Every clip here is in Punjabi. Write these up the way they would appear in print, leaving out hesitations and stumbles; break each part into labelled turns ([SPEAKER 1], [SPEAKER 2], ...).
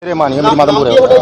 [SPEAKER 1] मेरे मानी है मेरी माता पूरे
[SPEAKER 2] गलत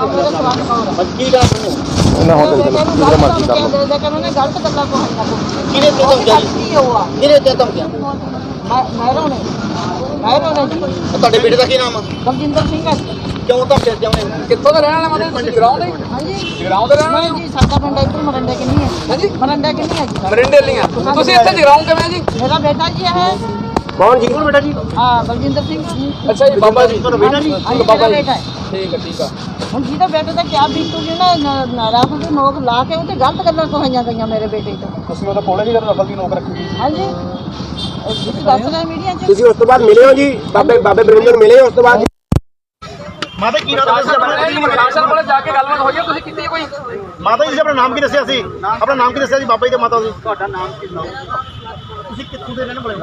[SPEAKER 1] ਤੁਹਾਡੇ ਬੇਟੇ ਦਾ ਕੀ ਨਾਮ ਆ?
[SPEAKER 2] ਬਲਜਿੰਦਰ ਸਿੰਘ ਹੈ।
[SPEAKER 1] ਕਿਉਂ ਧੱਕੇ ਜਾਉਣੇ?
[SPEAKER 3] ਕਿੱਥੋਂ ਦਾ ਰਹਿਣ ਵਾਲਾ ਮਤਲਬ ਤੁਸੀਂ ਗਰਾਊਂਡ ਦੇ
[SPEAKER 2] ਹਾਂਜੀ
[SPEAKER 3] ਜਗਰਾਉਂ ਦੇ ਰਹਿਣ ਵਾਲੇ
[SPEAKER 2] ਨਹੀਂ ਜੀ, ਸਾਡਾ ਪਿੰਡ ਇੱਧਰ ਮਰੰਡੇ ਕਿੰਨੀ ਹੈ।
[SPEAKER 3] ਹਾਂਜੀ
[SPEAKER 2] ਮਰੰਡੇ ਕਿੰਨੀ ਹੈ ਜੀ।
[SPEAKER 3] ਮਰਿੰਡੇ ਲੀਆਂ ਤੁਸੀਂ ਇੱਥੇ ਜਗਰਾਉਂ ਕਿਵੇਂ ਜੀ?
[SPEAKER 2] ਮੇਰਾ ਬੇਟਾ ਜੀ ਹੈ।
[SPEAKER 1] ਕੌਣ ਜੀ? ਕੌਣ ਬੇਟਾ ਜੀ?
[SPEAKER 2] ਹਾਂ ਬਲਜਿੰਦਰ ਸਿੰਘ ਜੀ।
[SPEAKER 3] ਅੱਛਾ ਜੀ ਬਾਬਾ ਜੀ
[SPEAKER 1] ਤੁਹਾਡਾ ਬੇਟਾ ਜੀ?
[SPEAKER 2] ਹਾਂਜੀ,
[SPEAKER 3] ਬਾਬਾ
[SPEAKER 2] ਮੇਰਾ
[SPEAKER 3] ਜੀ
[SPEAKER 2] ਬੇਟਾ ਹੈ।
[SPEAKER 3] ਠੀਕ ਆ
[SPEAKER 2] ਹੁਣ ਜਿਹਦਾ ਬੇਟੇ ਦਾ ਕਿਆ ਬੀਤੂਗੀ ਨਾ ਰਾਤ ਦੇ ਨੋਕ ਲਾ ਕੇ ਉਹਤੇ ਗਲਤ ਗੱਲਾਂ ਕਹਾਈਆਂ ਗਈਆਂ ਮੇਰੇ ਬੇਟੇ ਤੋਂ।
[SPEAKER 1] ਤੁਸੀਂ ਉਹਦਾ ਕੋਲੇ ਜੀ ਰਫਲ ਦੀ ਨੌਕ ਰੱਖੀ?
[SPEAKER 2] ਹਾਂਜੀ ਤੁਸੀਂ ਦੱਸ ਰਹੇ ਮੀਡੀਆ 'ਚ।
[SPEAKER 1] ਤੁਸੀਂ ਉਸ ਤੋਂ ਬਾਅਦ ਮਿਲੇ ਹੋ ਜੀ ਬਾਬੇ ਬਰਿੰਦਰ ਨੂੰ ਮਿਲੇ ਉਸ ਤੋਂ ਬਾਅਦ? ਮਾਤਾ ਕੀ ਨਾਮ
[SPEAKER 3] ਪ੍ਰਸ਼ਾਸਨ ਕੋਲ ਜਾ ਕੇ ਗੱਲਬਾਤ ਹੋਈ ਹੈ ਤੁਸੀਂ ਕੀਤੀ ਕੋਈ?
[SPEAKER 1] ਮਾਤਾ ਜੀ ਆਪਣਾ ਨਾਮ ਕੀ ਦੱਸਿਆ ਸੀ? ਆਪਣਾ ਨਾਮ ਕੀ ਦੱਸਿਆ ਸੀ ਬਾਬਾ ਜੀ ਤੇ ਮਾਤਾ ਜੀ? ਤੁਹਾਡਾ ਨਾਮ ਕੀ ਨਾਮ? ਤੁਸੀਂ ਕਿੱਥੋਂ ਦੇ ਰਹਿਣ ਵਾਲੇ ਹੋ?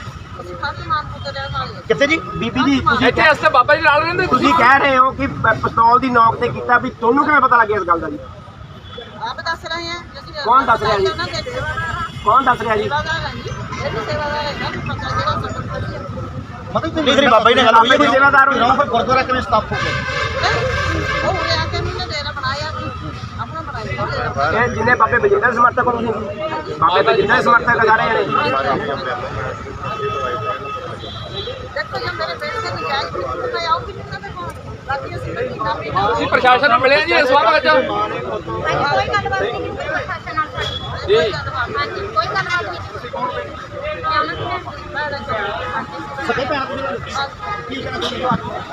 [SPEAKER 1] ਕਿੱਥੇ ਜੀ? ਬੀਬੀ ਜੀ
[SPEAKER 3] ਇੱਥੇ ਅਸਤੇ ਬਾਬਾ ਜੀ ਨਾਲ ਰਹਿੰਦੇ
[SPEAKER 1] ਤੁਸੀਂ ਕਹਿ ਰਹੇ ਹੋ ਕਿ ਪਿਸਤੌਲ ਦੀ ਨੌਕ ਤੇ ਕੀਤਾ ਵੀ ਤੁਹਾਨੂੰ ਕਿਵੇਂ ਪਤਾ ਲੱਗਿਆ ਇਸ ਗੱਲ ਦਾ ਜੀ?
[SPEAKER 2] ਆਪ ਦੱਸ ਰਹੇ ਹਾਂ।
[SPEAKER 1] ਕੌਣ ਦੱਸ ਰਿਹਾ ਜੀ? ਕੌਣ ਦੱਸ ਰਿਹਾ ਜੀ? ਮਤਲਬ ਤੁਸੀਂ ਬਾਬਾ ਜੀ ਨੇ ਗੱਲ ਹੋਈ ਕੋਈ ਸੇਵਾਦਾਰ ਹੋ ਫਿਰ ਗੁਰਦੁਆਰਾ ਕਿਵੇਂ ਸਥਾਪਿਤ ਹੋ ਗਿਆ? ਇਹ ਜਿੰਨੇ ਬਾਬੇ ਬਜਿੰਦਰ ਸਮਰਥਕ ਹੋ ਤੁਸੀਂ? ਬਾਬੇ ਬਜਿੰਦਰ ਸਮਰਥਕ ਲਗਾ ਰਹੇ ਨੇ।
[SPEAKER 3] ਤੁਸੀਂ ਪ੍ਰਸ਼ਾਸਨ ਨੂੰ ਮਿਲੇ ਜੀ ਇਸ ਵਾਰ ਵਿੱਚ?
[SPEAKER 4] ਕੋਈ ਗੱਲਬਾਤ ਨਹੀਂ ਪ੍ਰਸ਼ਾਸਨ ਨਾਲ ਸਾਡੀ।
[SPEAKER 3] ਜੀ
[SPEAKER 4] ਹਾਂਜੀ ਕੋਈ ਗੱਲਬਾਤ ਨਹੀਂ।
[SPEAKER 1] ਸਕੇ ਭੈਣ ਕੀ ਕਹਿਣਾ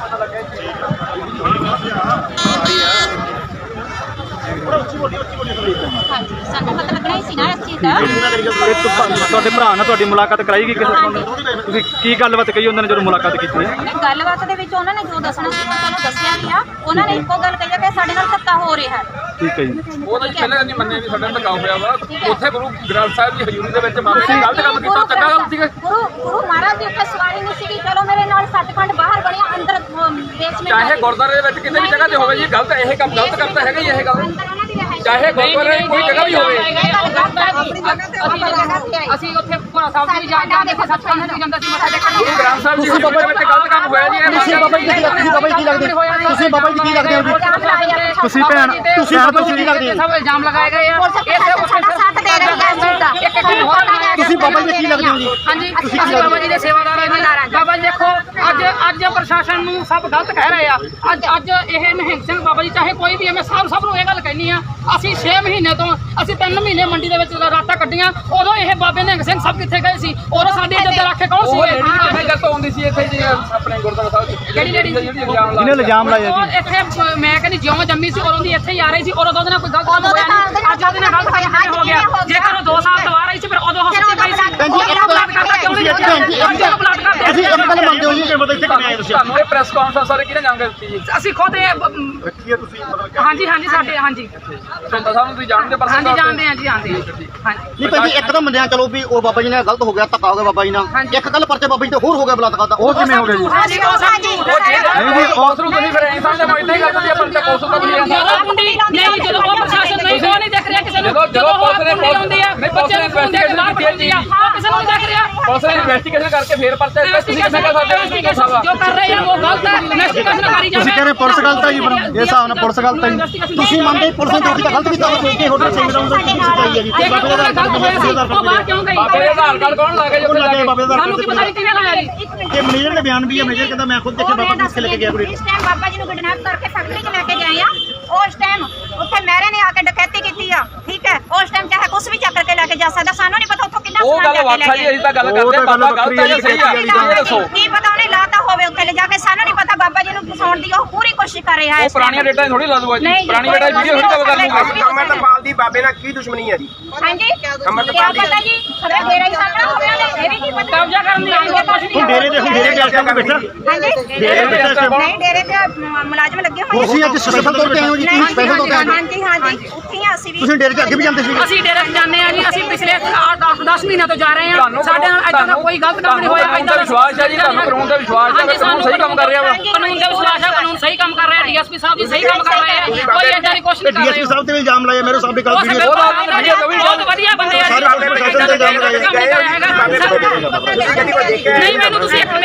[SPEAKER 4] ਹਾਂਜੀ ਸਾਨੂੰ ਪਤਾ ਲੱਗਣਾ ਹੀ ਸੀ ਨਾ ਇਸ ਚੀਜ਼ ਦਾ।
[SPEAKER 5] ਤੁਹਾਡੇ ਭਰਾ ਨਾਲ ਤੁਹਾਡੀ ਮੁਲਾਕਾਤ ਕਰਾਈ ਗਈ ਕਿਸੇ ਨੂੰ? ਤੁਸੀਂ ਕੀ ਗੱਲਬਾਤ ਕਹੀ ਉਹਨਾਂ ਨੇ ਜਦੋਂ ਮੁਲਾਕਾਤ ਕੀਤੀ ਹੈ?
[SPEAKER 4] ਗੱਲਬਾਤ ਦੇ ਵਿੱਚ ਉਹਨਾਂ ਨੇ ਜੋ ਦੱਸਣਾ ਸੀ ਉਹ ਸਾਨੂੰ ਦੱਸਿਆ ਵੀ ਆ। ਉਹਨਾਂ ਨੇ ਇੱਕੋ ਗੱਲ ਕਹੀ ਆ ਕਿ ਸਾਡੇ ਨਾਲ ਧੱਕਾ ਹੋ ਰਿਹਾ ਹੈ।
[SPEAKER 5] ਠੀਕ ਹੈ ਜੀ।
[SPEAKER 3] ਉਹ ਤਾਂ ਜੀ ਪਹਿਲਾਂ ਨਹੀਂ ਮੰਨੇ ਵੀ ਸਾਡੇ ਨਾਲ ਧੱਕਾ ਹੋਇਆ ਵਾ। ਉੱਥੇ ਗੁਰੂ ਗ੍ਰੰਥ ਸਾਹਿਬ ਦੀ ਹਜ਼ੂਰੀ ਦੇ ਵਿੱਚ ਬਾਬੇ ਨੇ ਗਲਤ ਕੰਮ ਕੀਤਾ, ਚੰਗਾ ਗੱਲ ਸੀਗਾ।
[SPEAKER 4] ਗੁਰੂ ਮਹਾਰਾਜ ਦੀ ਉੱਥੇ ਸਵਾਰੀ ਨਹੀਂ ਸੀਗੀ। ਚਲੋ ਮੇਰੇ ਨਾਲ ਸੱਚਖੰਡ ਬਾਹਰ ਬਣਿਆ ਅੰਦਰ ਬੇਸਮੈਂਟ
[SPEAKER 3] ਚਾਹੇ ਗੁਰਦੁਆਰੇ ਦੇ ਵਿੱਚ ਕਿਸੇ ਵੀ ਜਗ੍ਹਾ ਤੇ ਹੋਵੇ ਜੀ ਗਲਤ ਇਹ ਕੰਮ ਗਲਤ ਕਰਤਾ ਹੈਗਾ ਹੀ ਇਹ ਗੱਲ।
[SPEAKER 4] ਅੰਦਰ ਉਹਨਾਂ ਦੀ ਰਹਿائش
[SPEAKER 3] ਚਾਹੇ ਗੁਰਦੁਆਰੇ ਦੀ ਕੋਈ ਜਗ੍ਹਾ ਵੀ ਹੋਵੇ।
[SPEAKER 4] ਅਸੀਂ ਉੱਥੇ ਭੋਲਾ ਸਾਹਿਬ ਦੀ ਜਾਂਦੇ ਸੀ, ਸੱਚਖੰਡ ਦੀ ਜਾਂਦੇ ਸੀ ਮੱਥਾ ਟੇਕਣ।
[SPEAKER 3] ਗੁਰੂ ਗ੍ਰੰਥ ਸਾਹਿਬ ਦੀ ਹਜ਼ੂਰੀ ਦੇ ਵਿੱਚ ਗਲਤ ਕੰਮ ਹੋਇਆ ਜੀ।
[SPEAKER 1] ਤੁਸੀਂ ਬਾਬਾ ਜੀ ਕੀ ਲੱਗਦੇ? ਤੁਸੀਂ ਬਾਬਾ ਜੀ ਕੀ ਲੱਗਦੇ ਹੋ ਜੀ?
[SPEAKER 5] ਤੁਸੀਂ ਭੈਣ
[SPEAKER 1] ਤੁਸੀਂ ਕੀ ਲੱਗਦੇ ਹੋ?
[SPEAKER 3] ਸਭ ਇਲਜ਼ਾਮ ਲਗਾਏ ਗਏ ਆ।
[SPEAKER 4] ਸਾਥ ਦੇ ਰਹੇ ਹਾਂ।
[SPEAKER 1] ਤੁਸੀਂ ਬਾਬਾ ਜੀ ਕੀ ਲੱਗਦੇ ਹੋ ਜੀ?
[SPEAKER 3] ਹਾਂਜੀ ਅਸੀਂ ਬਾਬਾ ਜੀ ਦੇ ਸੇਵਾਦਾਰ ਹਾਂ। ਬਾਬਾ ਜੀ ਦੇਖੋ ਅੱਜ ਪ੍ਰਸ਼ਾਸਨ ਨੂੰ ਸਭ ਗਲਤ ਕਹਿ ਰਹੇ ਆ। ਅੱਜ ਇਹ ਨਿਹੰਗ ਸਿੰਘ ਬਾਬਾ ਜੀ ਚਾਹੇ ਕੋਈ ਵੀ ਹੈ, ਮੈਂ ਸਭ ਨੂੰ ਇਹ ਗੱਲ ਕਹਿਣੀ ਆ। ਅਸੀਂ 6 ਮਹੀਨੇ ਤੋਂ ਅਸੀਂ 3 ਮਹੀਨੇ ਮੰਡੀ ਦੇ ਵਿੱਚ ਰਾਤਾਂ ਕੱਢੀਆਂ। ਉਦੋਂ ਇਹ ਬਾਬੇ ਨਿਹੰਗ ਸਿੰਘ ਸਭ ਕਿੱਥੇ ਗਏ ਸੀ? ਉਦੋਂ ਸਾਡੀ ਇੱਜ਼ਤ ਰੱਖੇ ਕੌਣ ਸੀ? ਉਹ ਗੱਲ ਤੋਂ ਆਉਂਦੀ ਸੀ ਇੱਥੇ ਜੀ ਆਪਣੇ ਗੁਰਦੁਆਰਾ ਸਾਹਿਬ
[SPEAKER 4] ਕਿਹੜੀ ਲੇਡੀ
[SPEAKER 5] ਜਿਹਨੇ ਇਲਜ਼ਾਮ ਲਾਇਆ ਜੀ?
[SPEAKER 3] ਇੱਥੇ ਮੈਂ ਕਹਿੰਦੀ ਜਿਉਂ ਜੰਮੀ ਸੀ ਉਦੋਂ ਦੀ ਇੱਥੇ ਹੀ ਆ ਰਹੀ ਸੀ। ਉਦੋਂ ਉਹਦੇ ਨਾਲ ਕੋਈ ਗਲਤ ਕੰਮ ਹੋਇਆ ਨਹੀਂ। ਅੱਜ ਉਹਦੇ ਨਾਲ ਗਲਤ ਕੰਮ ਹੋ ਗਿਆ। ਜੇਕਰ ਉਹ 2 ਸਾਲ ਤੋਂ ਆ ਰਹੀ ਸੀ ਫਿਰ ਉਦੋਂ ਹਸਪਤਾਲ ਪਈ ਸੀ।
[SPEAKER 1] ਅਸੀਂ ਇੱਕ ਗੱਲ ਮੰਨਦੇ ਹੋ ਜੀ ਕਿ ਮਤਲਬ ਇੱਥੇ ਕਿਵੇਂ ਆਏ ਤੁਸੀਂ?
[SPEAKER 3] ਤੁਹਾਨੂੰ ਇਹ ਪ੍ਰੈਸ ਕਾਨਫਰੰਸ ਬਾਰੇ ਕਿਹਨੇ ਜਾਣਕਾਰੀ ਦਿੱਤੀ ਜੀ? ਅਸੀਂ ਖੁਦ ਇਹ
[SPEAKER 1] ਰੱਖੀ ਹੈ ਤੁਸੀਂ ਮਤਲਬ
[SPEAKER 3] ਹਾਂਜੀ ਸਾਡੇ ਹਾਂਜੀ ਸੰਤਾ ਸਾਹਿਬ ਨੂੰ ਤੁਸੀਂ ਜਾਣਦੇ ਪਰ ਹਾਂਜੀ ਜਾਣਦੇ ਹਾਂ ਜੀ ਹਾਂਜੀ
[SPEAKER 1] ਨਹੀਂ ਭਾਈ ਜੀ ਇੱਕਦਮ ਮੰਨਿਆ ਚਲੋ ਵੀ ਉਹ ਬਾਬਾ ਜੀ ਨੇ ਗਲਤ ਹੋ ਗਿਆ, ਧੱਕਾ ਹੋ ਗਿਆ ਬਾਬਾ ਜੀ ਨਾਲ। ਇੱਕ ਗੱਲ ਪਰਚੇ ਬਾਬਾ ਜੀ ਤੇ ਹੋਰ ਹੋ ਗਿਆ ਬਲਾਤਕਾਰ ਦਾ, ਉਹ ਕਿਵੇਂ ਹੋ ਗਿਆ ਜੀ?
[SPEAKER 3] ਨਹੀਂ ਜੀ ਉਸ ਨੂੰ ਤੁਸੀਂ ਫਿਰ ਐਂ ਸਮਝਦੇ ਮੈਂ ਇਦਾਂ ਹੀ ਕਰਦਾ ਜੀ ਆਪਾਂ ਤਾਂ ਕੋਸੋਂ ਤਾਂ ਨਹੀਂ ਨਹੀਂ ਜਦੋਂ ਉਹ ਪ੍ਰਸ਼ਾਸਨ ਨਹੀਂ ਉਹ ਨਹੀਂ ਦੇਖ ਰਿਹਾ ਕਿਸੇ ਨੂੰ। ਜਦੋਂ ਪੁਲਿਸ ਨੇ ਹੁੰਦੀ ਆ ਬੱਚੇ ਨੂੰ ਫੋਨ ਦੇ ਖਿਲਾਫ ਹੁੰਦੀ ਆ ਉਹ ਕਿਸੇ ਨੂੰ ਨਹੀਂ ਦੇਖ ਰਿਹਾ। ਪੁਲਿਸ ਨੇ ਇਨਵੈਸਟੀਗੇਸ਼ਨ ਕਰਕੇ ਫੇਰ ਪਰਚਾ ਤੁਸੀਂ ਕਿਵੇਂ ਕਰ ਸਕਦੇ ਹੋ? ਜੋ ਕਰ ਰਹੇ ਆ ਉਹ ਗਲਤ ਹੈ। ਇਨਵੈਸਟੀਗੇਸ਼ਨ ਕਰੀ ਜਾਵੇ।
[SPEAKER 5] ਤੁਸੀਂ ਕਹਿੰਦੇ ਪੁਲਿਸ ਗਲਤ ਹੈ ਜੀ? ਇਹ ਹਿਸਾਬ ਨਾਲ ਪੁਲਿਸ ਗਲਤ ਹੈ ਜੀ?
[SPEAKER 1] ਤੁਸੀਂ ਮੰਨਦੇ ਪੁਲਿਸ ਨੇ ਜੋ ਕੀਤਾ ਗਲਤ ਕੀਤਾ ਉਹ ਸੋਚ ਕੇ ਹੋਟਲ ਸਿੰਘ ਦਾ ਉਹਦਾ ਕੀ ਸੱਚਾਈ ਹੈ ਜੀ? ਬਾਬੇ ਦਾ
[SPEAKER 3] ਗਲਤ ਹੋਇਆ ਸੀ ਉਹ ਬਾਹਰ ਕਿਉਂ ਗਈ? ਬਾਬੇ ਦਾ ਆਧਾਰ ਕਾਰਡ ਕੌਣ ਲਾ ਗਿਆ ਜੀ ਉੱਥੇ ਜਾ ਕੇ? ਸਾਨੂੰ ਕੀ ਪਤਾ ਕਿਹਨੇ ਲਾਇਆ ਜੀ?
[SPEAKER 1] ਇਹ ਮੈਨੇਜਰ ਦੇ ਬਿਆਨ ਵੀ ਹੈ। ਮੈਨੇਜਰ ਕਹਿੰਦਾ ਮੈਂ ਖੁਦ ਦੇਖਿਆ ਬਾਬਾ ਕਿਸ ਕੇ ਲੈ ਕੇ ਗਿਆ ਕੁੜੀ।
[SPEAKER 4] ਇਸ ਟਾਈਮ ਬਾਬਾ ਜੀ ਨੂੰ ਕਿਡਨੈਪ ਕਰਕੇ ਫੈਕਟਰੀ 'ਚ ਲੈ ਕੇ ਗਏ ਆ। ਉਸ ਟਾਈਮ ਉੱਥੇ ਮਹਿਰੇ ਨੇ ਆ ਕੇ ਡਕੈਤੀ ਕੀਤੀ ਆ। ਠੀਕ ਹੈ ਉਸ ਟਾਈਮ ਚਾਹੇ ਕੁਝ ਵੀ ਚੱਕ ਕੇ ਲੈ ਕੇ ਜਾ ਸਕਦਾ। ਸਾਨੂੰ ਨਹੀਂ ਪਤਾ ਉੱਥੋਂ ਕਿੰਨਾ
[SPEAKER 3] ਉਹ ਗੱਲ ਵੱਖਰਾ ਜੀ। ਅਸੀਂ ਤਾਂ ਗੱਲ ਕਰਦੇ ਹਾਂ ਬਾਬਾ ਗਲਤ ਹੈ ਜਾਂ ਸਹੀ ਆ ਇਹ ਦੱਸੋ।
[SPEAKER 4] ਕੀ ਪਤਾ ਉਹਨੇ ਲਾਤਾ ਹੋਵੇ ਉੱਥੇ ਲੈ ਜਾ ਕੇ। ਸਾਨੂੰ ਨਹੀਂ ਪਤਾ। ਬਾਬਾ ਜੀ ਨੂੰ ਫਸਾਉਣ ਦੀ ਉਹ ਪੂਰੀ ਕੋਸ਼ਿਸ਼ ਕਰ ਰਿਹਾ ਹੈ।
[SPEAKER 3] ਉਹ ਪੁਰਾਣੀਆਂ ਡੇਟਾਂ ਥੋੜੀ ਲਾ ਦੂਗਾ ਜੀ। ਪੁਰਾਣੀ ਡੇਟਾ ਵੀਡੀਓ ਥੋੜੀ ਕਵਰ ਕਰ ਲੂਗਾ।
[SPEAKER 1] ਅਮਰਤਪਾਲ ਦੀ ਬਾਬੇ ਨਾਲ ਕੀ ਦੁਸ਼ਮਣੀ ਹੈ ਜੀ?
[SPEAKER 4] ਹਾਂਜੀ ਕਿਆ ਪਤਾ ਜੀ ਖਬਰ ਦੇ ਰਹੀ ਸਾਡਾ ਹੋਣਾ ਨੇ ਇਹ ਵੀ ਕੀ ਪਤਾ।
[SPEAKER 3] ਕਬਜ਼ਾ ਕਰਨ ਦੀ ਆਈ ਹੈ ਕੁਝ ਨਹੀਂ।
[SPEAKER 1] ਹੁਣ ਡੇਰੇ ਦੇ ਅਲਟਾ ਬੈਠਾ
[SPEAKER 4] ਹਾਂਜੀ
[SPEAKER 1] ਡੇਰੇ ਦੇ
[SPEAKER 4] ਨਹੀਂ ਡੇਰੇ ਤੇ ਮੁਲਾਜ਼ਮ ਲੱਗੇ ਹੋਏ।
[SPEAKER 1] ਤੁਸੀਂ ਅੱਜ ਸਪੈਸ਼ਲ ਤੌਰ ਤੇ ਆਏ ਹੋ ਜੀ? ਤੁਸੀਂ ਸਪੈਸ਼ਲ ਤੌਰ ਤੇ ਆਏ ਹੋ?
[SPEAKER 4] ਹਾਂਜੀ ਉੱਥੇ ਹੀ ਅਸੀਂ ਵੀ।
[SPEAKER 1] ਤੁਸੀਂ ਡੇਰੇ 'ਚ ਅੱਗੇ ਵੀ ਜਾਂਦੇ ਸੀ?
[SPEAKER 3] ਅਸੀਂ ਡੇਰੇ ਜਾਂਦੇ ਆ ਜੀ। ਅਸੀਂ ਪਿਛਲੇ 10 ਮਹੀਨਿਆਂ ਤੋਂ ਜਾ ਰਹੇ ਹਾਂ। ਸਾਡੇ ਨਾਲ ਇਦਾਂ ਦਾ ਕੋਈ ਗਲਤ ਕੰਮ ਨਹੀਂ ਹੋਇਆ। ਕਾਨੂੰਨ ਦਾ ਵਿਸ਼ਵਾਸ ਹੈ ਜੀ। ਤੁਹਾਨੂੰ ਕਾਨੂੰਨ ਦਾ ਵਿਸ਼ਵਾਸ ਹੈ ਕਿ ਕਾਨੂੰਨ ਸਹੀ ਕੰਮ ਕਰ ਰਿਹਾ ਵਾ। ਕਾਨੂੰਨ ਦਾ ਵਿਸ਼ਵਾਸ ਹੈ। ਕਾਨੂੰਨ ਸਹੀ ਕੰਮ ਕਰ ਰਿਹਾ। ਡੀਐਸਪੀ ਸਾਹਿਬ ਜੀ ਸਹੀ ਕੰਮ ਕਰ ਰਹੇ ਆ। ਕੋਈ ਏਦਾਂ ਦੀ ਕੋਸ਼ਿਸ਼ ਨਹੀਂ ਕਰ
[SPEAKER 1] ਡੀਐਸਪੀ ਸਾਹਿਬ ਤੇ ਵੀ ਇਲਜ਼ਾਮ ਲਾਇਆ ਮੇਰੇ ਸਾਹਿਬ ਦੇ ਕੱਲ ਵੀਡੀਓ
[SPEAKER 3] ਬਹੁਤ ਵਧੀਆ ਬੰਦੇ ਆ।
[SPEAKER 1] ਸਾਰੇ ਪੁਲਿਸ ਪ੍ਰਸ਼ਾਸਨ ਤੇ ਇਲਜ਼ਾਮ ਲਾਇਆ
[SPEAKER 3] ਨਹੀਂ ਮੈਨੂੰ ਤੁਸੀਂ ਇੱਕ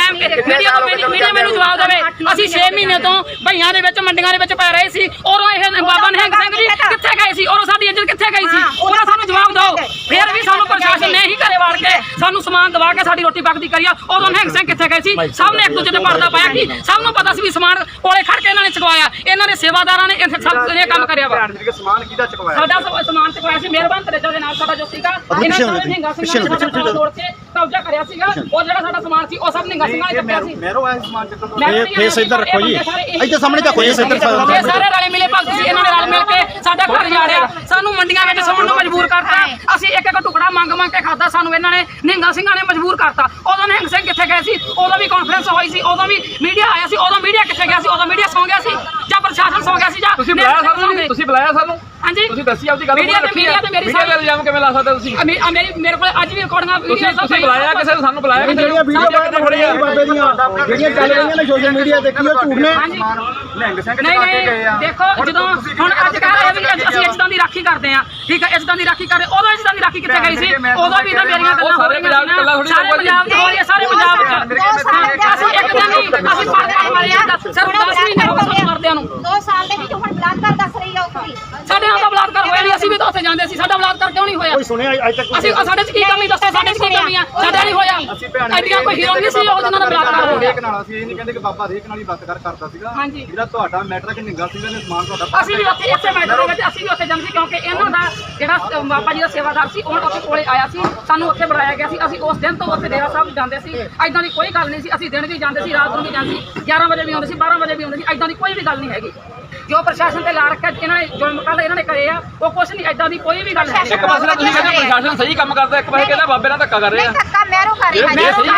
[SPEAKER 3] ਮੀਡੀਆ ਮੈਨੂੰ ਜਵਾਬ ਦੇਵੇ। ਅਸੀਂ 6 ਮਹੀਨੇ ਤੋਂ ਭਈਆਂ ਦੇ ਵਿੱਚ ਮੰਡੀਆਂ ਦੇ ਵਿੱਚ ਪੈ ਰਹੇ ਸੀ, ਔਰ ਇਹ ਬਾਬਾ ਨਿਹੰਗ ਸਿੰਘ ਜੀ ਕਿੱਥੇ ਗਏ ਸੀ, ਔਰ ਸਾਡੀ ਇੱਜ਼ਤ ਕਿੱਥੇ ਗਈ ਸੀ, ਉਹਨਾਂ ਸਾਨੂੰ ਜਵਾਬ ਦਿਓ। ਫਿਰ ਵੀ ਸਾਨੂੰ ਪ੍ਰਸ਼ਾਸਨ ਨੇ ਹੀ ਘਰੇ ਵਾੜ ਕੇ ਸਾਨੂੰ ਸਮਾਨ ਦਵਾ ਕੇ ਸਾਡੀ ਰੋਟੀ ਪੱਕਦੀ ਕਰੀ ਆ, ਉਦੋਂ ਨਿਹੰਗ ਸਿੰਘ ਕਿੱਥੇ ਗਏ ਸੀ? ਸਭ ਨੇ ਇੱਕ ਦੂਜੇ ਤੇ ਪਰਦਾ ਪਾਇਆ ਕਿ ਸਭ ਨੂੰ ਪਤਾ ਸੀ ਵੀ ਸਮਾਨ ਕੋਲੇ ਖੜ ਕੇ ਇਹਨਾਂ ਨੇ ਚੁਕਵਾਇਆ, ਇਹਨਾਂ ਦੇ ਸੇਵਾਦਾਰਾਂ ਨੇ ਇਹ ਸਭ ਇਹ ਕੰਮ ਕਰਿਆ ਵਾ।
[SPEAKER 5] ਸਮਾਨ ਕਿਹਦਾ ਚੁਕਵਾਇਆ?
[SPEAKER 3] ਸਾਡਾ ਸਮਾਨ ਚੁਕਵਾਇਆ ਸੀ ਮਿਹਰਬਾਨ ਤੇਜਾ ਦੇ ਨਾਲ ਸਾਡਾ ਜੋ ਸੀਗਾ, ਇਹਨਾਂ ਨੇ ਨਿਹੰਗਾ ਸਿੰਘਾਂ ਨੇ ਸਾਡਾ ਤੋੜ ਕੇ ਕਬਜ਼ਾ ਕਰਿਆ ਸੀਗਾ, ਉਹ ਜਿਹੜਾ ਸਾਡਾ ਸਮਾਨ ਸੀ ਉਹ ਸਭ ਨਿਹੰਗਾ ਸਿੰਘਾਂ ਨੇ ਚੱਕਿਆ ਸੀ।
[SPEAKER 5] ਮੈਰੋ ਆਇਆ ਸਮਾਨ ਚੱਕਣ।
[SPEAKER 1] ਫੇਸ ਇੱਧਰ ਰੱਖੋ ਜੀ, ਇੱਥੇ ਸਾਹਮਣੇ ਤਾਂ ਕੋਈ ਇੱਧਰ
[SPEAKER 3] ਇਹ ਸਾਰੇ ਰਲੇ ਮਿਲੇ ਭਗਤ ਸੀ, ਇਹਨਾਂ ਨੇ ਰਲ ਮਿਲ ਕੇ ਸਾਡਾ ਘਰ ਜਾੜਿਆ, ਸਾਨੂੰ ਮੰਡੀਆਂ ਵਿੱਚ ਸੌਣ ਨੂੰ ਮਜਬੂਰ ਕਰਤਾ। ਅਸੀਂ ਇੱਕ ਇੱਕ ਟੁਕੜਾ ਮੰਗ ਕੇ ਖਾਦਾ, ਸਾਨੂੰ ਇਹਨਾਂ ਨੇ ਨਿਹੰਗਾ ਸਿੰਘਾਂ ਨੇ ਮਜਬੂਰ ਕਰਤਾ। ਉਦੋਂ ਨਿਹੰਗ ਸਿੰਘ ਕਿੱਥੇ ਗਏ ਸੀ? ਉਦੋਂ ਵੀ ਕਾਨਫਰੰਸ ਹੋਈ ਸੀ, ਉਦੋਂ ਵੀ ਮੀਡੀਆ ਆਇਆ ਸੀ, ਉਦੋਂ ਮੀਡੀਆ ਕਿੱਥੇ ਗਿਆ ਸੀ? ਉਦੋਂ ਮੀਡੀਆ ਸੌਂ ਗਿਆ ਸੀ ਜਾਂ ਪ੍ਰਸ਼ਾਸਨ ਸੌਂ ਗਿਆ ਸੀ ਜਾਂ
[SPEAKER 5] ਤੁਸੀਂ ਬੁਲਾਇਆ ਸਾਨੂੰ? ਤੁਸੀਂ ਬੁਲਾਇਆ ਸਾਨੂੰ?
[SPEAKER 3] ਹਾਂਜੀ
[SPEAKER 5] ਤੁਸੀਂ ਦੱਸੀ ਆਪਦੀ ਗੱਲ
[SPEAKER 3] ਮੀਡੀਆ ਤੇ ਮੇਰੀ
[SPEAKER 5] ਮੀਡੀਆ ਦੇ ਇਲਜ਼ਾਮ ਕਿਵੇਂ ਲਾ ਸਕਦੇ ਤੁਸੀਂ?
[SPEAKER 3] ਮੇਰੇ ਕੋਲ ਅੱਜ ਵੀ ਰਿਕਾਰਡਿੰਗਾਂ
[SPEAKER 5] ਤੁਸੀਂ ਬੁਲਾਇਆ ਕਿਸੇ ਨੂੰ? ਸਾਨੂੰ ਬੁਲਾਇਆ ਕਿਸੇ ਨੂੰ?
[SPEAKER 1] ਵੀਡੀਓ ਕਿੱਥੇ ਖੜੀਆਂ ਬਾਬੇ ਦੀਆਂ ਜਿਹੜੀਆਂ ਚੱਲ ਰਹੀਆਂ ਨੇ ਸੋਸ਼ਲ ਮੀਡੀਆ ਤੇ, ਕੀ ਉਹ ਝੂਠ ਨੇ?
[SPEAKER 5] ਨਿਹੰਗ ਸਿੰਘ
[SPEAKER 3] ਨਹੀਂ
[SPEAKER 5] ਚੁਕਾ ਕੇ ਗਏ ਆ।
[SPEAKER 3] ਦੇਖੋ ਜਦੋਂ ਹੁਣ ਅੱਜ ਕੱਲ੍ਹ ਵੀ ਅਸੀਂ ਇੱਜ਼ਤਾਂ ਦੀ ਰਾਖੀ ਕਰਦੇ ਆ, ਠੀਕ ਹੈ, ਇੱਜ਼ਤਾਂ ਦੀ ਰਾਖੀ ਕਰਦੇ, ਉਦੋਂ ਇੱਜ਼ਤਾਂ ਦੀ ਰਾਖੀ ਕਿੱਥੇ ਗਈ ਸੀ? ਉਦੋਂ ਵੀ ਤਾਂ ਮੇਰੀਆਂ ਗੱਲਾਂ
[SPEAKER 5] ਸਾਰੇ ਪੰਜਾਬ ਚ ਗੱਲਾਂ ਥੋੜੀ
[SPEAKER 3] ਸਾਰੇ ਪੰਜਾਬ ਚ ਹੋ ਰਹੀਆਂ, ਸਾਰੇ ਪੰਜਾਬ ਚ। ਅਸੀਂ ਇੱਕ ਦਿਨ ਨਹੀਂ, ਅਸੀਂ ਪੜ੍ਹਦੇ ਮਾਰੇ ਆ, ਸਿਰਫ 10 ਮਹੀਨੇ ਹੋ ਗਏ ਸਾਨੂੰ ਮਰਦਿਆਂ ਨੂੰ।
[SPEAKER 4] 2 ਸਾਲ ਦੇ ਵਿੱਚ ਹੁਣ ਬਲਾਤਕਾਰ ਦੱਸ ਰਹੀ ਆ ਉਹ ਕੁੜੀ।
[SPEAKER 3] ਸਾਡੇ ਨਾਲ ਤਾਂ ਬਲਾਤਕਾਰ ਹੋਇਆ ਨਹੀਂ, ਅਸੀਂ ਵੀ ਤਾਂ ਉੱਥੇ ਜਾਂਦੇ ਸੀ, ਸਾਡਾ ਬਲਾਤਕਾਰ ਕਿਉਂ ਨਹੀਂ ਹੋਇਆ?
[SPEAKER 1] ਕੋਈ ਸੁਣਿਆ ਅੱਜ ਤੱਕ?
[SPEAKER 3] ਅਸੀਂ ਸਾਡੇ ਚ ਕੀ ਕਮੀ ਦੱਸੋ, ਸਾਡੇ ਚ ਕੀ ਕਮੀ ਆ? ਸਾਡਾ ਨਹੀਂ ਹੋਇਆ। ਐਡੀਆਂ ਕੋਈ ਹੀਰੋ ਨਹੀਂ ਸੀ ਉਹ ਜਿਹਨਾਂ ਦਾ ਬਲਾਤਕਾਰ ਹੋ ਗਿਆ।
[SPEAKER 5] ਰੇਕ ਨਾਲ ਅਸੀਂ ਇਹ ਨਹੀਂ ਕਹਿੰਦੇ ਕਿ ਬਾਬਾ ਰੇਕ ਨਾਲ ਹੀ ਬਲਾਤਕਾਰ ਕਰਦਾ ਸੀਗਾ।
[SPEAKER 3] ਹਾਂਜੀ।
[SPEAKER 5] ਜਿਹੜਾ ਤੁਹਾਡਾ ਮੈਟਰ ਹੈ ਕਿ ਨਿਹੰਗਾ ਸਿੰਘਾਂ ਨੇ ਸਮਾਨ ਤੁਹਾਡਾ
[SPEAKER 3] ਅਸੀਂ ਵੀ ਉੱਥੇ ਇਸੇ ਮੈਟਰ ਦੇ ਵਿੱਚ ਅਸੀਂ ਵੀ ਉੱਥੇ ਜਾਂਦੇ ਸੀ, ਕਿਉਂਕਿ ਇਹਨਾਂ ਦਾ ਜਿਹੜਾ ਬਾਬਾ ਜੀ ਦਾ ਸੇਵਾਦਾਰ ਸੀ ਉਹ ਉੱਥੇ ਕੋਲੇ ਆਇਆ ਸੀ, ਸਾਨੂੰ ਉੱਥੇ ਬੁਲਾਇਆ ਗਿਆ ਸੀ। ਅਸੀਂ ਉਸ ਦਿਨ ਤੋਂ ਉੱਥੇ ਡੇਰਾ ਸਾਹਿਬ ਜਾਂਦੇ ਸੀ, ਐਦਾਂ ਦੀ ਕੋਈ ਗੱਲ ਨਹੀਂ ਸੀ। ਅਸੀਂ ਦਿਨ ਵੀ ਜਾਂਦੇ ਸੀ, ਰਾਤ ਨੂੰ ਵੀ ਜਾਂਦੇ ਸੀ, 11 ਵਜੇ ਵੀ ਆਉਂਦੇ ਸੀ, 12 ਵਜੇ ਵੀ ਆਉਂਦੇ ਸੀ, ਐਦਾਂ ਦੀ ਕੋਈ ਵੀ ਗੱਲ ਨਹੀਂ ਹੈਗੀ। ਜੋ ਪ੍ਰਸ਼ਾਸਨ ਤੇ ਲਾ ਰੱਖਿਆ ਇਹਨਾਂ ਨੇ, ਜੋ ਕੱਲ ਇਹਨਾਂ ਨੇ ਕਰੇ ਆ, ਉਹ ਕੁਛ ਨਹੀਂ, ਐਦਾਂ ਦੀ ਕੋਈ ਵੀ ਗੱਲ ਨਹੀਂ।
[SPEAKER 5] ਇੱਕ ਪਾਸੇ ਤਾਂ ਤੁਸੀਂ ਕਹਿੰਦੇ ਪ੍ਰਸ਼ਾਸਨ ਸਹੀ ਕੰਮ ਕਰਦਾ, ਇੱਕ ਪਾਸੇ ਕਹਿੰਦਾ ਬਾਬੇ ਨਾਲ ਧੱਕਾ ਕਰ ਰਹੇ ਆ।
[SPEAKER 4] ਧੱਕਾ ਮੈਰੋ ਕਰ ਰਹੀ ਹੈ,
[SPEAKER 3] ਪ੍ਰਸ਼ਾਸਨ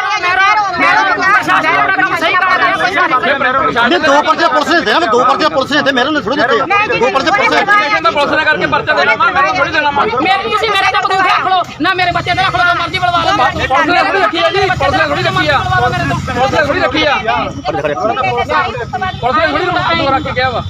[SPEAKER 3] ਆਪਣਾ ਕੰਮ ਸਹੀ ਕਰ ਰਿਹਾ ਹੈ।
[SPEAKER 1] ਨਹੀਂ, ਦੋ ਪਰਚੇ ਪੁਲਿਸ ਨੇ ਦੇਣਾ, ਦੋ ਪਰਚੇ ਪੁਲਿਸ ਨੇ ਦਿੱਤੇ, ਮੇਰੇ ਨੇ ਥੋੜੀ ਦਿੱਤੇ ਆ। ਦੋ ਪਰਚੇ ਪੁਲਿਸ ਨੇ
[SPEAKER 5] ਕਹਿੰਦਾ ਪੁਲਿਸ ਨੇ ਕਰਕੇ ਪਰਚਾ ਦੇਣਾ, ਮੈਂ ਥੋੜੀ ਦੇਣਾ।
[SPEAKER 3] ਤੁਸੀਂ ਮੇਰੇ ਤੇ ਬਦੂਖ ਰੱਖ ਲਓ ਨਾ, ਮੇਰੇ ਬੱਚੇ ਤੇ ਰੱਖ ਲਓ, ਜੋ ਮਰਜ਼ੀ ਬਲਵਾ ਲਓ।
[SPEAKER 5] ਪੁਲਿਸ ਨੇ ਥੋੜੀ ਰੱਖੀ ਆ ਜੀ, ਪੁਲਿਸ ਨੇ ਥੋੜੀ ਰੱਖੀ ਆ, ਪੁਲਿਸ ਨੇ ਥੋੜੀ ਰੱਖੀ ਆ, ਪੁਲਿਸ ਨੇ ਥੋੜੀ ਰੱਖ ਕੇ ਗਿਆ ਵਾ।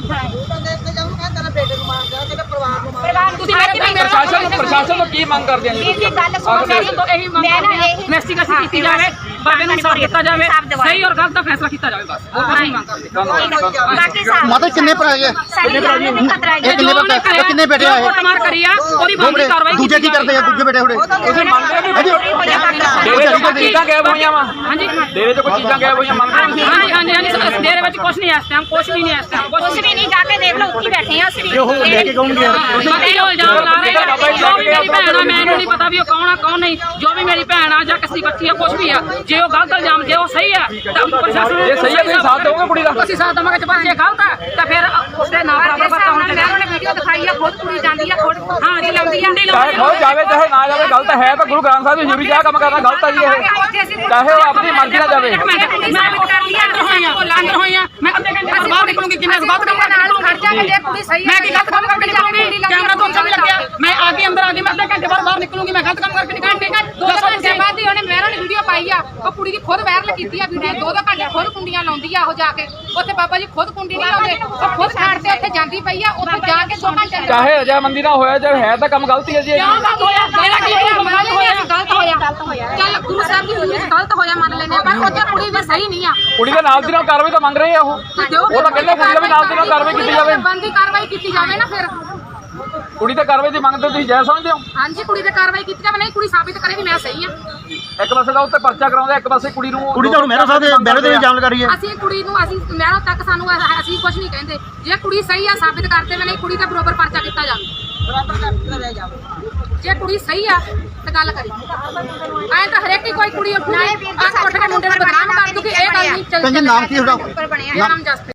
[SPEAKER 3] ਤੁਸੀਂ
[SPEAKER 5] ਪ੍ਰਸ਼ਾਸਨ ਤੋਂ ਕੀ ਮੰਗ ਕਰਦੇ ਆ ਜੀ?
[SPEAKER 4] ਇਹ ਗੱਲ ਸੁਣੋ ਮੇਰੀ,
[SPEAKER 3] ਇਹੀ ਮੰਗ ਕਰਦੇ ਆ, ਇਨਵੈਸਟੀਗੇਸ਼ਨ ਕੀਤੀ ਜਾਵੇ, ਬਾਬੇ ਨੂੰ ਇਨਸਾਫ ਦਿੱਤਾ ਜਾਵੇ, ਸਹੀ ਔਰ ਗਲਤ ਦਾ ਫੈਸਲਾ ਕੀਤਾ ਜਾਵੇ, ਬਸ ਉਹ ਕੁਝ ਨਹੀਂ ਮੰਗ ਕਰਦੇ।
[SPEAKER 4] ਬਾਕੀ ਸਾਹਿਬ
[SPEAKER 1] ਮਾਤਾ ਕਿੰਨੇ ਭਰਾ ਹੈਗੇ?
[SPEAKER 4] ਸਾਡੀ ਜਾਨ ਨੂੰ ਵੀ ਖਤਰਾ ਹੈ।
[SPEAKER 1] ਇਹ ਕਿੰਨੇ ਭਰਾ? ਇਹ ਕਿੰਨੇ ਬੇਟੇ ਆ? ਇਹ
[SPEAKER 3] ਕੁੱਟਮਾਰ ਕਰੀ ਆ, ਉਹਦੀ ਬਣਦੀ ਕਾਰਵਾਈ
[SPEAKER 1] ਦੂਜੇ ਕੀ ਕਰਦੇ ਆ? ਦੂਜੇ ਬੇਟੇ ਥੋੜੇ
[SPEAKER 5] ਤੁਸੀਂ ਮੰਨਦੇ ਨਹੀਂ? ਡੇਰੇ ਚ ਕੋਈ ਚੀਜ਼ਾਂ ਗਾਇਬ ਹੋਈਆਂ ਵਾ?
[SPEAKER 3] ਹਾਂਜੀ
[SPEAKER 5] ਡੇਰੇ ਚ ਕੋਈ ਚੀਜ਼ਾਂ ਗਾਇਬ ਹੋਈਆਂ ਮੰਨਦੇ?
[SPEAKER 3] ਹਾਂਜੀ ਡੇਰੇ ਵਿੱਚ ਕੁਝ ਨਹੀਂ ਇਸ ਟਾਈਮ, ਕੁਝ ਵੀ ਨਹੀਂ ਇਸ ਟਾਈਮ,
[SPEAKER 4] ਕੁਛ ਵੀ ਨਹੀਂ, ਜਾ ਕੇ ਦੇਖ ਲਓ, ਉੱਥੇ ਬੈਠੇ ਆ ਅਸੀਂ ਵੀ।
[SPEAKER 1] ਉਹ ਲੈ ਕੇ ਕਹੂੰਗੀ
[SPEAKER 3] ਬਾਕੀ ਉਹ ਇਲਜ਼ਾਮ ਲਾ ਰਹੇ ਆ, ਜੋ ਵੀ ਮੇਰੀ ਭੈਣ ਆ, ਮੈਨੂੰ ਨਹੀਂ ਪਤਾ ਵੀ ਉਹ ਕੌਣ ਆ ਕੌਣ ਨਹੀਂ, ਜੋ ਵੀ ਮੇਰੀ ਭੈਣ ਆ ਜਾਂ ਕਿਸੇ ਦੀ ਬੱਚੀ ਆ, ਕੁਝ ਵੀ ਆ, ਜੇ ਉਹ ਗਲਤ ਇਲਜ਼ਾਮ, ਜੇ ਉਹ ਸਹੀ ਆ ਤਾਂ ਪ੍ਰਸ਼ਾਸਨ
[SPEAKER 5] ਇਹ ਸਹੀ ਹੈ, ਤੁਸੀਂ ਸਾਥ ਦਿਓਗੇ ਕੁੜੀ ਦਾ?
[SPEAKER 3] ਅਸੀਂ ਸਾਥ ਦੇਵਾਂਗੇ, ਜੇ ਪਰ ਜੇ ਗਲਤ ਆ ਤਾਂ ਫਿਰ ਉਸਦੇ ਨਾਲ ਬਰਾਬਰ ਵਰਤਾ ਹੋਣਾ ਚਾਹੀਦਾ।
[SPEAKER 4] ਮੈਨੇ ਵੀਡੀਓ ਦਿਖਾਈ ਆ, ਖੁਦ ਕੁੜੀ ਜਾਂਦੀ ਆ, ਖੁਦ
[SPEAKER 3] ਹਾਂ ਜੀ ਲਾਉਂਦੀ ਆ,
[SPEAKER 5] ਚਾਹੇ ਖੋ ਜਾਵੇ ਚਾਹੇ ਨਾ ਜਾਵੇ, ਗਲਤ ਹੈ ਤਾਂ ਗੁਰੂ ਗ੍ਰੰਥ ਸਾਹਿਬ ਦੀ ਹਜ਼ੂਰੀ 'ਚ ਆਹ ਕੰਮ ਕਰਨਾ ਗਲਤ ਆ ਜੀ ਇਹ, ਚਾਹੇ ਉਹ ਆਪਣੀ ਮਰਜ਼ੀ ਨਾਲ ਜਾਵੇ।
[SPEAKER 3] ਮੈਂ ਅੰਦਰ ਹੋਈਆਂ, ਮੈਂ ਅੱਧੇ ਘੰਟੇ ਬਾਅਦ ਬਾਹਰ ਨਿਕਲੂੰਗੀ, ਕਿਵੇਂ ਗਲਤ ਕੰਮ ਕਰਕੇ ਨਿਕਲੂੰਗੀ?
[SPEAKER 4] ਕੁੜੀ ਸਹੀ
[SPEAKER 3] ਮੈਂ ਕੀ ਗਲਤ ਕੰਮ ਕਰਕੇ ਨਿਕਲੂੰਗੀ? ਕੈਮਰਾ ਤੋਂ ਅੱਛਾ ਨਹੀਂ ਲੱਗਿਆ, ਮੈਂ ਆ ਕੇ ਅੰਦਰ ਆ ਗਈ, ਮੈਂ ਅੱਧੇ ਘੰਟੇ ਬਾਅਦ ਬਾਹਰ ਨਿਕਲੂੰਗੀ, ਮੈਂ ਗਲਤ ਕੰਮ ਕਰਕੇ ਨਿਕਲੂੰਗੀ।
[SPEAKER 6] 2 ਘੰਟੇ ਬਾਅਦ ਹੀ ਉਹਨੇ ਮਹਿਰਾ ਨੇ ਵੀਡੀਓ ਪਾਈ ਆ, ਉਹ ਕੁੜੀ ਦੀ ਖੁਦ ਵਾਇਰਲ ਕੀਤੀ ਆ ਵੀਡੀਓ। 2 ਘੰਟੇ ਖੁਦ ਕੁੰਡੀਆਂ ਲਾਉਂਦੀ ਆ ਉਹ ਜਾ ਕੇ ਉੱਥੇ, ਬਾਬਾ ਜੀ ਖੁਦ ਕੁੰਡੀ ਨਹੀਂ ਲਾਉਂਦੇ, ਉਹ ਖੁਦ ਛੱਡ ਤੇ ਉੱਥੇ ਜਾਂਦੀ ਪਈ ਆ, ਉੱਥੇ ਜਾ ਕੇ 2 ਘੰਟੇ
[SPEAKER 5] ਚਾਹੇ ਰਜਾਮੰਦੀ ਨਾ ਹੋਇਆ, ਚਾਹੇ ਹੈ ਤਾਂ ਕੰਮ ਗਲਤ ਹੀ ਹੈ ਜੀ।
[SPEAKER 3] ਕਿਉਂ ਗਲਤ ਹੋਇਆ? ਮੇਰਾ ਕੀ ਹੋਇਆ?
[SPEAKER 6] ਗਲਤ ਹੋਇਆ। ਚੱਲ ਗੁਰੂ ਸਾਹਿਬ ਦੀ ਹਜ਼ੂਰੀ 'ਚ ਗਲਤ ਹੋਇਆ ਮੰਨ ਲੈਂਦੇ ਆ, ਪਰ ਉੱਥੇ ਕੁੜੀ ਵੀ ਸਹੀ ਨਹੀਂ ਆ।
[SPEAKER 5] ਕੁੜੀ ਦੇ ਨਾਲ ਦੀ ਨਾਲ ਕਾਰਵਾਈ ਤਾਂ ਮੰਗ ਰਹੇ ਆ ਉਹ ਤਾਂ ਕਹਿੰਦੇ ਕੁੜੀ ਦਾ ਵੀ ਨਾਲ ਦੀ ਨਾਲ ਕਾਰਵਾਈ ਕੀਤੀ ਜਾਵੇ।
[SPEAKER 6] ਬੰਦੀ ਕਾਰਵਾਈ ਕੀਤੀ ਜਾਵੇ ਨਾ ਫਿਰ।
[SPEAKER 5] ਕੁੜੀ ਤੇ ਕਾਰਵਾਈ ਦੀ ਮੰਗ ਤੇ ਤੁਸੀਂ ਜਾਇਜ਼ ਸਮਝਦੇ ਹੋ?
[SPEAKER 6] ਹਾਂਜੀ ਕੁੜੀ ਤੇ ਕਾਰਵਾਈ ਕੀਤੀ ਜਾਵੇ, ਨਹੀਂ ਕੁੜੀ ਸਾਬਿਤ ਕਰੇ ਵੀ ਮੈਂ ਸਹੀ ਆ।
[SPEAKER 5] ਇੱਕ ਪਾਸੇ ਤਾਂ ਉੱਤੇ ਪਰਚਾ ਕਰਾਉਂਦਾ, ਇੱਕ ਪਾਸੇ ਕੁੜੀ ਨੂੰ
[SPEAKER 1] ਤਾਂ ਮਹਿਰਾ ਸਾਹਿਬ ਦੇ ਬੈਰੇ ਦੇ ਇਲਜ਼ਾਮ ਲਗਾ ਰਹੀ ਹੈ।
[SPEAKER 6] ਅਸੀਂ ਕੁੜੀ ਨੂੰ ਅਸੀਂ ਮਹਿਰਾ ਤੱਕ ਸਾਨੂੰ ਅਸੀਂ ਕੁਝ ਨਹੀਂ ਕਹਿੰਦੇ, ਜੇ ਕੁੜੀ ਸਹੀ ਆ ਸਾਬਿਤ ਕਰਦੇ ਵੀ ਨਹੀਂ, ਕੁੜੀ ਦਾ ਬਰੋਬਰ ਪਰਚਾ ਕੀਤਾ ਜਾਵੇ। ਜੇ ਕੁੜੀ ਸਹੀ ਆ ਤਾਂ ਗੱਲ ਕਰੀ, ਐਂ ਤਾਂ ਹਰੇਕ ਹੀ ਕੋਈ ਕੁੜੀ ਉੱਠ ਕੇ ਮੁੰਡੇ ਨੂੰ ਬਦਨਾਮ ਕਰ ਦੂਗੀ, ਇਹ ਗੱਲ ਨਹੀਂ ਚੱਲਦੀ।
[SPEAKER 1] ਨਾਮ ਕੀ ਤੁਹਾਡਾ?
[SPEAKER 6] ਮੇਰਾ ਨਾਮ ਜਸਪ੍ਰੀਤ।